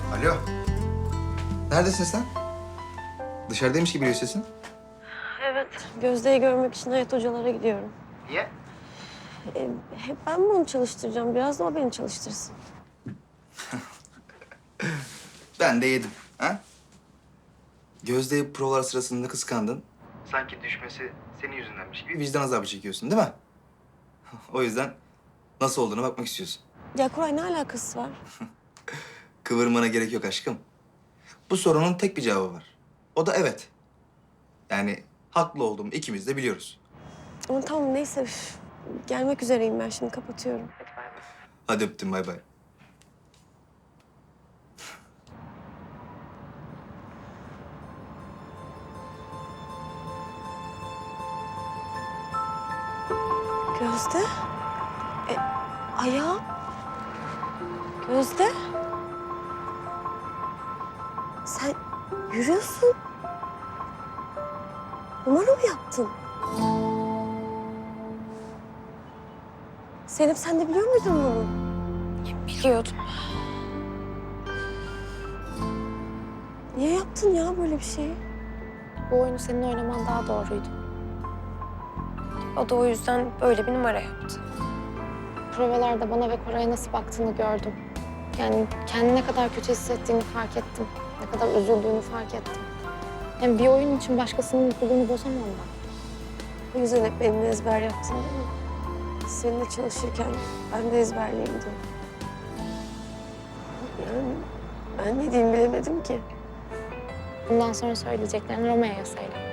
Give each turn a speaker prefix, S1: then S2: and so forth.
S1: Alo. Neredesin sen? Dışarıdaymış gibi geliyor sesin.
S2: Evet, Gözde'yi görmek için Hayat hocalara gidiyorum.
S1: Niye?
S2: Hep ben mi onu çalıştıracağım? Biraz da o beni çalıştırsın.
S1: Ben de yedim. Ha? Gözde provalar sırasında kıskandın. Sanki düşmesi senin yüzündenmiş gibi vicdan azabı çekiyorsun değil mi? O yüzden nasıl olduğuna bakmak istiyorsun.
S2: Ya Koray ne alakası var?
S1: Kıvırmana gerek yok aşkım. Bu sorunun tek bir cevabı var. O da evet. Yani haklı olduğumu ikimiz de biliyoruz.
S2: Ama tamam neyse. Gelmek üzereyim ben şimdi kapatıyorum.
S1: Hadi öptüm bay bay.
S2: Gözde? Ayağım? Gözde? Sen yürüyorsun. Numara mı yaptın? Zeynep sen de biliyor muydun bunu?
S3: Biliyordum.
S2: Niye yaptın ya böyle bir şeyi?
S3: Bu oyunu senin oynaman daha doğruydu. O da o yüzden böyle bir numara yaptı. Provalarda bana ve Koray'a nasıl baktığını gördüm. Yani kendini ne kadar kötü hissettiğini fark ettim. Ne kadar üzüldüğünü fark ettim. Hem bir oyun için başkasının mutluluğunu bozamam ben.
S2: O yüzden hep benimle ezber yaptın değil mi? Seninle çalışırken ben de ezberleyeyim diye. Yani ben ne diyeyim bilemedim ki.
S3: Bundan sonra söyleyeceklerini Romeo'ya söyle.